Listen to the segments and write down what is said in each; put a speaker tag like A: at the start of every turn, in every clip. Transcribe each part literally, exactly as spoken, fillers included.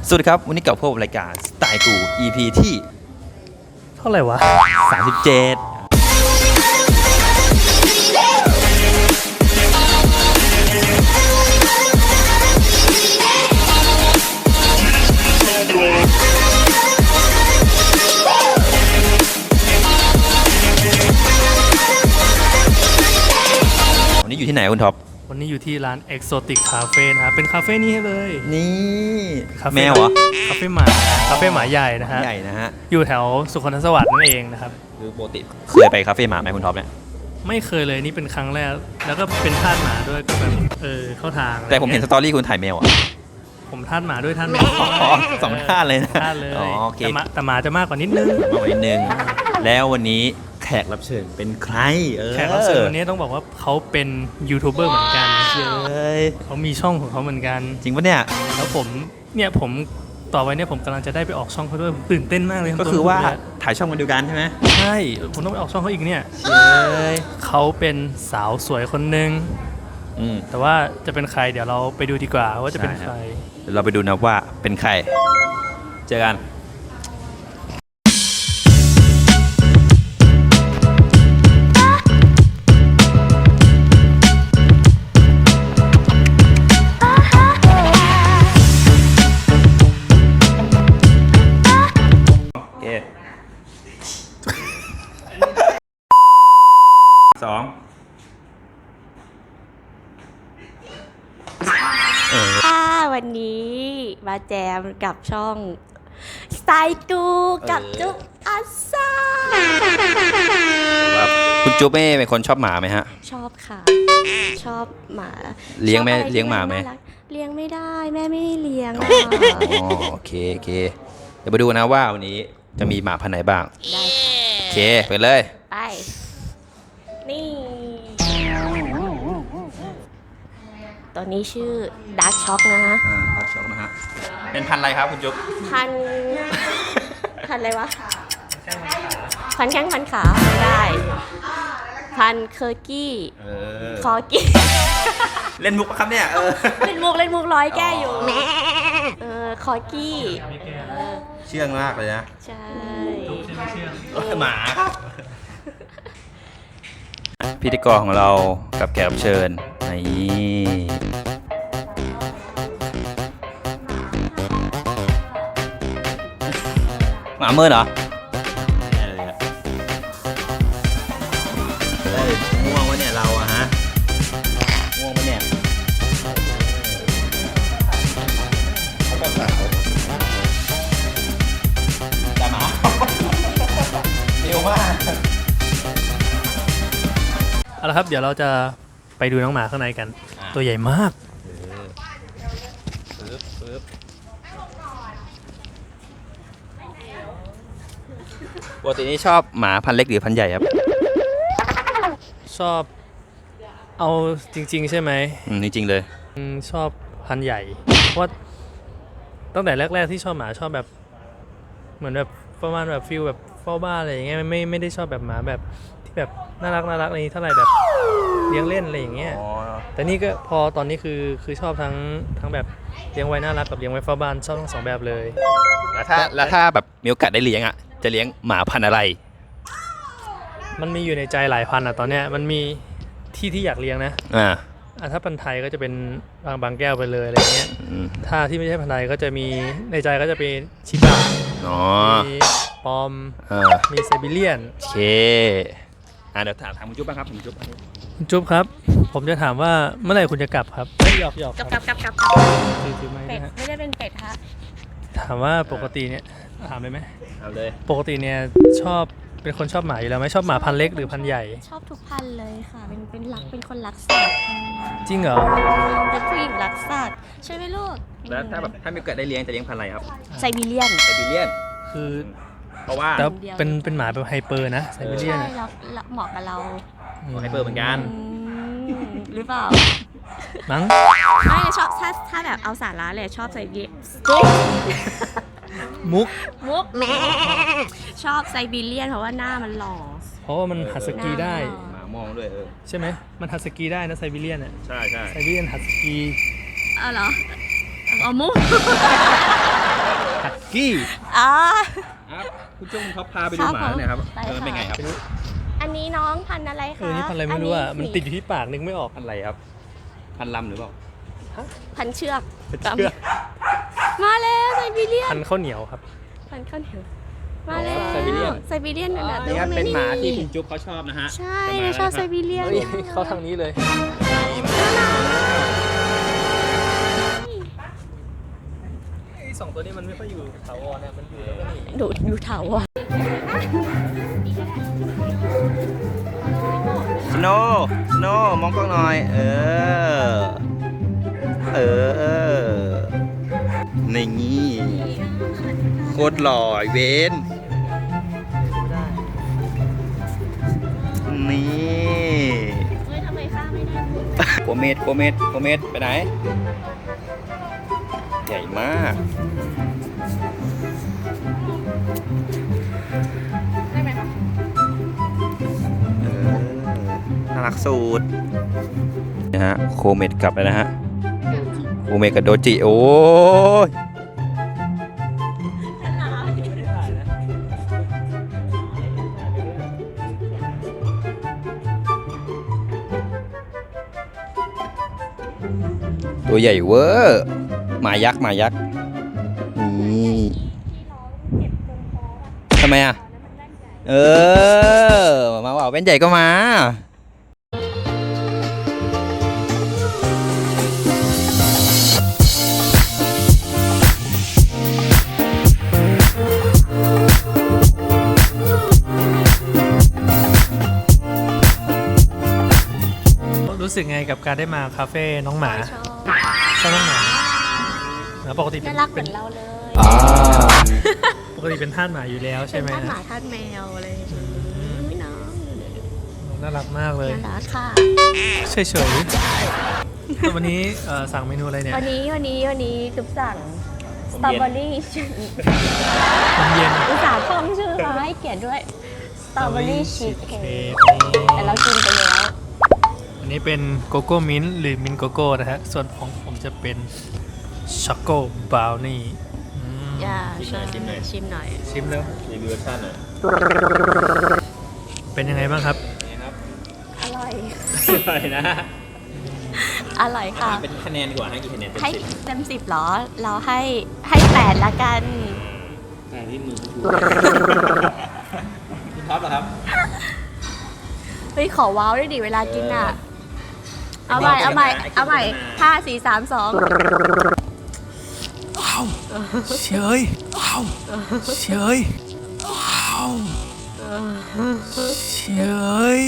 A: สวัสดีครับวันนี้กับพวกรายการสไตล์กู อี พี ที่
B: เท่าไหร่วะ
A: สามสิบเจ็ดวันนี้อยู่ที่ไหนคุณท็อป
B: วันนี้อยู่ที่ร้าน Exotic Cafe นะครับเป็นคาเฟ่นี้เลย
A: นี่
B: คาเฟ่
A: แมวเหรอ
B: คาเฟ่หมาคาเฟ่หมาใหญ่นะฮะ
A: ใหญ่นะฮะ
B: อยู่แถวสุขนสวัสดิ์นั่นเองนะครับ
A: คือปกติเคยไปคาเฟ่หมาไหมคุณท็อปเนี่ย
B: ไม่เคยเลยนี่เป็นครั้งแรกแล้วก็เป็นทาสหมาด้วยก็แบบเออเข้าทาง
A: แต่ผมเห็นสตอรี่คุณถ่ายแมวอ่ะ
B: ผมทาสหมาด้วยทาสแมว
A: สองท่าเลยนะ
B: ท่าเลย
A: โอเค
B: แต่หมาจะมากกว่านิดนึง
A: มากกว่านิดนึงแล้ววันนี้แขกรับเชิญเป็นใคร
B: แขกรับเชิญวันนี้ต้องบอกว่าเขาเป็นยูทูบเบอร์เหมือนกัน
A: เลย
B: เขามีช่องของเขาเหมือนกัน
A: จริงปะเนี่ย
B: แล้วผมเนี่ยผมต่อไปเนี่ยผมกำลังจะได้ไปออกช่องเขาด้วยตื่นเต้นมากเลย
A: ก็คือว่าถ่ายช่องกันเดียวกันใช่ไหม
B: ใช่ผมต้องไปออกช่องเขาอีกเนี่ยเขาเป็นสาวสวยคนหนึ่งแต่ว่าจะเป็นใครเดี๋ยวเราไปดูดีกว่าว่าจะเป็นใคร
A: เดี๋ยวเราไปดูนะว่าเป็นใครเจอกันสอง
C: ค่ะวันนี้มาแจมกับช่องสไตล์กูกับจุ๊บอาซา
A: คุณจุ๊บเป็นคนชอบหมาไหมฮะ
C: ชอบค่ะชอบหมา
A: เลี้ยงแม่เลี้ยงหมาไหม
C: เลี้ยงไม่ได้แม่ไม่ให้เลี้ยง
A: โอเคโอเคเดี๋ยวไปดูนะว่าวันนี้จะมีหมาพันธุ์ไหนบ้าง
C: ได้
A: โอเคไปเลย
C: ไปนี่ตัวนี้ชื่อดาร์กช็อกนะฮะ
A: อ่าดาร์กช็อกนะฮะเป็นพันธุ์อะไรครับคุณจุ๊บ
C: พันพันอะไรวะพันแข้งพันขาไม่ได้พันเคอร์กี้คอกี้
A: เล่นมุกครับเนี่ย
C: เล่นมุกเล่นมุกร้อยแก้อยู่เออคอกี้
A: เชื่องมากเลยนะ
C: ใช่
A: หมาพิธีกรของเรากับแขกรับเชิญนี่หมาเมินเหรอง่วงวะเนี่ยเราอะฮะง่วงวะเนี่ยเขาก็สาวแต่หมาเร็วมาก
B: เอาละครับเดี๋ยวเราจะไปดูน้องหมาข้างในกันตัวใหญ่มาก
A: ปกตินี่ชอบหมาพันธุ์เล็กหรือพันธุ์ใหญ่ครับ
B: ชอบเอาจริงๆใช่ไหม
A: อืมจริงๆเลย
B: ชอบพันธุ์ใหญ่เพราะตั้งแต่แรกๆที่ชอบหมาชอบแบบเหมือนแบบประมาณแบบฟิลแบบเฝ้าบ้านอะไรอย่างเงี้ยไม่ไม่ได้ชอบแบบหมาแบบที่แบบน่ารักน่ารักอะไรเท่าไหร่แบบเลี้ยงเล่นอะไรอย่างเงี้ยแต่นี่ก็พอตอนนี้คือคือชอบทั้งทั้งแบบเลี้ยงไว้น่ารักกับเลี้ยงไว้เฝ้าบ้านชอบทั้งสองแบบเลย
A: แล้วถ้าแล้วถ้าแบบมีโอกาสได้เลี้ยงอ่ะจะเลี้ยงหมาพันธุ์อะไร
B: มันมีอยู่ในใจหลายพันธุ์อ่ะตอนเนี้ยมันมีที่ที่อยากเลี้ยงนะ
A: อ่า
B: ถ้าพันธุ์ไทยก็จะเป็นบางบางแก้วไปเลยอะไรเงี้ยถ้าที่ไม่ใช่พันธุ์ไทยก็จะมีในใจก็จะเป็นชิบะมีปอมมีไซบีเรียน
A: โอเคอ่าเดี๋ยวถามถามคุณจุ๊บบ้างครับคุณจุ๊บ
B: คุณจุ๊บครับผมจะถามว่าเมื่อไหร่คุณจะกลับครับไม่หยอกหยอก
C: กลับกลับกลับกลับ
B: คือคือไม่
C: นะฮะไม่ได้เป็นเป็ดฮะ
B: ถามว่าปกติเนี่ยถามเลยไหม
A: เอาเลย
B: ปกติเนี่ยชอบเป็นคนชอบหมาอยู่แล้วไหมชอบหมาพันธุ์เล็กหรือพันธุ์ใหญ่
C: ชอบทุกพันธุ์เลยค่ะเป็นเป็นรักเป็นคนรักสัตว์
B: จริงเหรอ
C: เป็นผู้หญิงรักสัตว์ใช่ไหมลูก
A: แล้วถ้าแบบถ้ามีเกิดได้เลี้ยงจะเลี้ยงพันธุ์อะไรครับ
C: ไซบีเรียน
A: ไซบีเรียน
B: คือ
A: เพราะว่า
B: แล้วเป็นเป็นหมาแบบไฮเปอร์นะไซบีเรียน
C: ใช่แล้วเหมาะกับเรา
A: ไฮเปอร์เหมือนกัน
C: หรือเปล่า
B: มั้ง
C: ไม่ชอบถ้าถ้าแบบเอาสาระเลยชอบไซบี
B: มุก
C: มุกชอบไซบีเรียนเพราะว่าหน้ามันหล่อ
B: เพราะว่ามันหัดสกีได้
A: หมามองด้วยเออ
B: ใช่ไหมมันหัดสกีได้นะไซบีเรียนอ่ะ
A: ใช่ใช่
B: ไซบีเรียนหัดสกี
C: อ๋อเหรอเอามุก
B: ฮักกี้
C: อ๋อ
A: ครับคุณจุ้งเขาพาไปดูหมาหน่อยครับ
C: ไป
A: เออ
C: ค่ะ
A: เป็นไงครับ
C: อันนี้น้องพันธุ์อะไร
B: เอ
C: คะ
B: อนี่พันธุ์อะไรไม่รู้อ่ะ
C: สี
B: มันติดอยู่ที่ปากนึกไม่ออก
A: พันธุ์อะไรครับ พันธุ์ลำหรือเปล่า
C: พันธุ์เชือก
B: เชือก
C: มาแล้วไซบีเรียน
B: พันธุ์ข้าวเหนียวครับ
C: พันธุ์ข้าวเหนียวมาแล้ว
A: ไซบีเรียน
C: ไซบีเรียนนั่นแหละ
A: นี่ครับเป็นหมาที่คุณจุ๊บเขาชอบนะฮะ
C: ใช่ชอบไซบีเรียน
B: เฮ้ยเข้าทางนี้เลยไอ้สองตัวนี้มันไม่ค่อยอยู่ถาวรเนี่ยมันอยู่แล้วก็หนี
C: ดูดูเถาอ่ะ
A: สโนว์สโนว์มองกล้องหน่อย เออ เออนี่งี้โคตรหล่อไอ้เวนนี่
C: เฮ้ยทำไมข้าไม่ได้
A: โกเมดโกเมดโกเมดไปไหน ใหญ่มาก
C: ได้ไหมคะ
A: เออ น่ารักสุดนะฮะ โคเมดกลับแล้วนะฮะ โคเมดกับโดจิ โอ้ย ตัวใหญ่เวอร์หมายักษ์หมายักษ์นี่ทำไมอ่ะ เออ มาว่าแว่นใหญ่ก็มา
B: รู้สึกไงกับการได้มาคาเฟ่น้องหมา
C: ชอบ
B: ชอบน้องหมาแล้วปกติเป็
C: น่าน รักเห
B: เป็
C: มือน นเราเลย
A: อ่า
B: ปกติเป็นทาสหมาอยู่แล้วใช่
C: เป็น
B: ไหม
C: ท่านหมาท่านแมวอะไรอย่างเงี้ยอุ๊ยน้อง
B: น่ารักมากเลย
C: น่ารักค่ะ
B: เฉยๆแต่วันนี้เอ่อสั่งเมนูอะไรเนี่ย
C: วันนี้วันนี้วันนี้จุ๊บสั่งสตรอเบอรี่
B: น้ำเย็น
C: อุตส่าห์ท่องชื่อมาให้เกียรติด้วยสตรอเบอรี่ชีสเค้ก
B: นี่
C: แต่เรากินไปแล้ว
B: อันนี้เป็นโกโก้มิ้นท์หรือมิ้นท์โกโก้นะฮะ ส่วนของผมจะเป็นช็อกโกบราวนี่อืม
C: อย่า
A: ชิมหน่อยชิมหน่อย
C: ชิมหน่อย
B: ชิมแล้ว
A: รีวิวรสชาติหน่อย
B: เป็นยังไงบ้างครับ
A: นี่ครับ
C: อร่อย
A: อร่อยนะ
C: อร่อยค่ะ
A: เป็นคะแนนดีกว่าให้กี่คะแนนเต็ม
C: ให้
A: สิบ
C: เต็มสิบเหรอ เราให้ให้แปดละกัน
A: แต่ที่มือคุณท็อปเหรอครับ
C: เฮ้ย ขอว้าวด้วยดิเวลากินอ่ะ เอาใหม่ เอาใหม่ เอาใหม่ห้าสี่สามสอง
B: ว้าวเฉยว้าวเฉยว้าวเฉย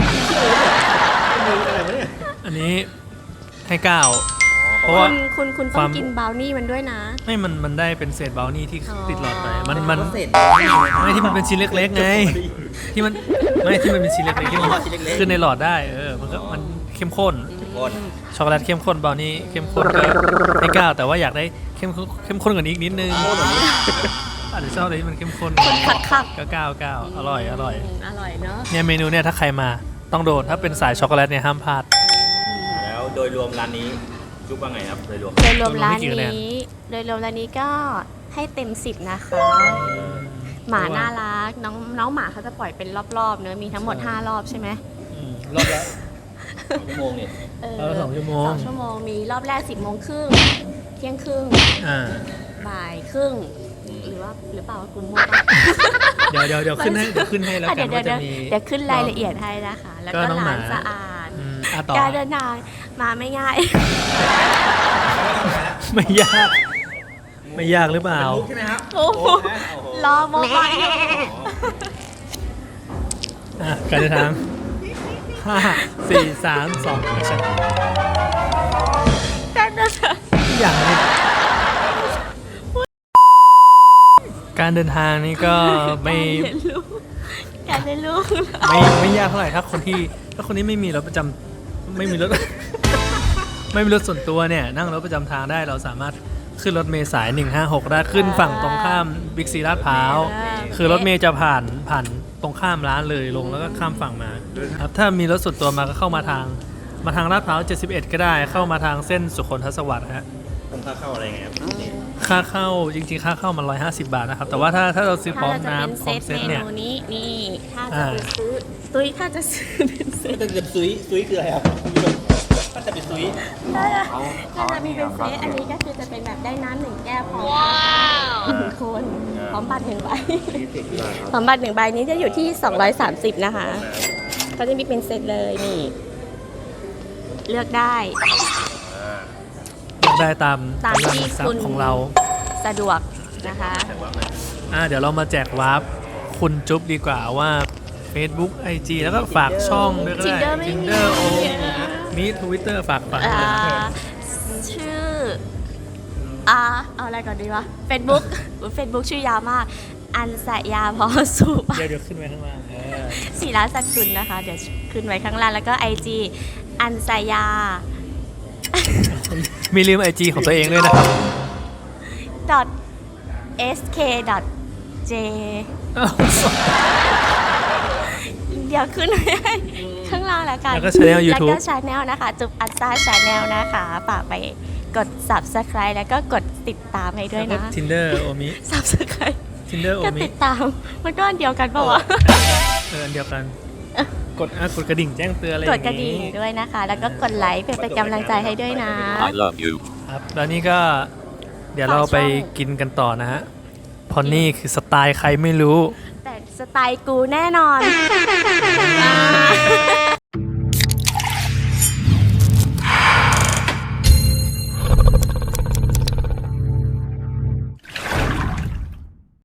B: อันนี้ให้เก้าเพราะ
C: คุ
B: ว่า
C: ณคุณคุณต้
B: ค
C: อ
B: วาง ม
C: กินบราวนี่มันด้วยนะ
B: ไม่มันมันได้เป็นเศษบราวนี่ที่
C: อ๋อ
B: ติดหลอดไปมันมัน
A: เสร็จ
B: ไม่ที่มันเป็นชิ้นเล็กๆไงที่มันไม่ที่มันเป็นชิ้นเล็กๆที่มัน
A: ชิ้นเล็กๆ
B: ขึ้นในหลอดได้เออมันก็มันเข้มข้น
A: คน
B: ช็อกโกแลตเข้มข้นบราวนี่เข้มข้นก็ให้เก้าแต่ว่าอยากได้เข้มข้นเข้มข้นกว่านี้อีกนิดนึงอาจจะชอบอะไรที่มันเข้มข้น
C: คนคักคัก
B: ก็เก้าเก้าอร่อยอร่อย
C: มอร่อยเนาะ
B: เนี่ยเมนูเนี่ยถ้าใครมาต้องโดนถ้าเป็นสายช็อกโกแลตเนี่ยห้ามพลาด
A: แล้วโดยรวมร้านนี้จุ๊บว่าไงครับโดยรวม
C: โดยรวมร้าน
B: ให้กี่คะแนน
C: นี้ โดยรวมร้านนี้ก็ให้เต็มสิบนะคะ หมาน่ารัก น้องน้องหมาเขาจะปล่อยเป็นรอบๆเนอะมีทั้งหมดห้ารอบใช่ไหม
B: อืมรอบละ
A: ชั่วโมงเนี่ย
C: เออ
B: รอบละสองชั่วโมง
C: สองชั่วโมง มีรอบแรกสิบโมงครึ่ง เที่ยงครึ่ง
B: อ่า
C: บ่ายครึ่ง หรือว่าหรือเปล่าว่ากูมั่วปะ
B: เดี๋ยวเดี๋ยวเดี๋ยวขึ้นให้เดี๋ยวขึ้นให้แล้ว
C: อ่ะ
B: กั
C: เดี๋ย
B: น
C: วเดี๋ยว
B: ว่าจะ
C: เดี๋ยว
B: มี
C: เดี๋ยวขึ้นรายละเอียดให้นะคะ แล้ว
B: ก็
C: ก็
B: น้องหมา
C: ร้านสะอาด
B: อืมอ่ะต่อ
C: การเดินทางมาไม่ง่าย
B: ไม่ยากไม่ยากหรือเปล่า
A: ใช่ไหมครับ
C: โอ้โหรอโมบายอยู่
B: อ่ะการเดินทางห้าสี่สามสองแอคชั่น
C: การเดินทาง
B: อย่างนี้การเดินทางนี่ก็ไม่
C: การเรียนรู้
B: ไม่ไม่ยากเท่าไหร่ถ้าคนที่ถ้าคนที่ไม่มีรถประจำไม่มีรถ ไม่มีรถส่วนตัวเนี่ยนั่งรถประจำทางได้เราสามารถขึ้นรถเมล์สายหนึ่งห้าหกได้ขึ้นฝั่งตรงข้ามบิ๊กซีลาดพร้าวคือรถเมล์จะผ่านผ่านตรงข้ามร้านเลยลงแล้วก็ข้ามฝั่งมาครับถ้ามีรถส่วนตัวมาก็เข้ามาทางมาทางลาดพร้าวเจ็ดสิบเอ็ดก็ได้เข้ามาทางเส้นสุขนทศวรรษฮะ
A: คงค่าเข้าอะไรไงครับนี่
B: ค่าเข้าจริงๆ ค่าเข้ามันร้อยห้าสิบบาทนะครับ แต่ว่าถ้าถ้าเราซื้อพ
C: ถ้า
B: ร้อม
C: เราจะเป็น
B: น้ำพ
C: เซ
B: ร้อม
C: ต
B: เซ
C: เม
B: ตเนี่ย
C: นูนี้นี่ถ้าจะ
B: อ่า
C: ไปซื้อตุ้ยถ้าจะซื้อเป็นเซต
A: แต่จะซุยซุยคืออะไรครับคุณผู้ชมถ้าจะไปซุย
C: ถ้าจะถ้าจะมีเป็นเซตอันนี้ก็คือจะเป็นแบบได้น้ำหนึ่งแก้วพร้อมหนึ่งคนพร้อมบัตรหนึ่งใบพร้อมบัตรหนึ่งใบนี้จะอยู่ที่สองร้อยสามสิบนะคะก็จะมีเป็นเซตเลยนี่ เลือกได้
B: เลือกได้ตาม
C: ตาม
B: กำลัง
C: ที่
B: ทรัพ
C: คุณ
B: ย์ของเรา
C: สะดวกนะคะ
B: อ่าเดี๋ยวเรามาแจกวาร์ปคุณจุ๊บดีกว่าว่า Facebook ไอ จี แล้วก็ฝากช่องด้วยก็ได้
C: Tinder ไม่มี
B: Tinder โอมี Twitter ฝากฝาก
C: อ่า
B: เลย
C: ชื่ออ่าเอาอะไรก่อนดีวะ Facebook Facebook ชื่อยาวมาก อันสยาพอสุป
B: เดี๋ยวเดี๋ยวขึ้นไว้ข้างล่างเออ
C: ศิลาสักคุณนะคะ เดี๋ยวขึ้นไว้ข้างล่างแล้วก็ ไอ จี อันสยา
B: มีลืม ไอ จี ของตัวเองด้วยนะครับ
C: .sk .j เดี๋ยวขึ้นไว้ให้ข้างล่างแล้วกัน
B: แล้วก็ channel
C: แล้ว
B: YouTube
C: ก็ชาแนลนะคะ จุบอันซ่าชาแนลนะคะฝากไปกด subscribe แล้วก็กดติดตามให้ด้วย
B: แล้วก็
C: นะ
B: Tinder โอมิ
C: subscribe
B: Tinder โอ
C: ก็
B: มิ
C: ติดตาม มันก็อันเดียวกันปะวะ
B: เอออันเดียวกัน กดอ่ะกดกระดิ่งแจ้งเตือนอะไรอก
C: ด
B: ย่าง
C: กระดิ่ง
B: นี้
C: ด้วยนะคะ แล้วก็กดไลค์เป็นเป็นกำลังใจให้ด้วยนะ
D: I love you.
B: ครับแล้วนี่ก็เดี๋ยวเราไปกินกันต่อนะฮะเพราะนี่คือสไตล์ใครไม่รู้
C: แต่สไตล์กูแน่นอนอ่า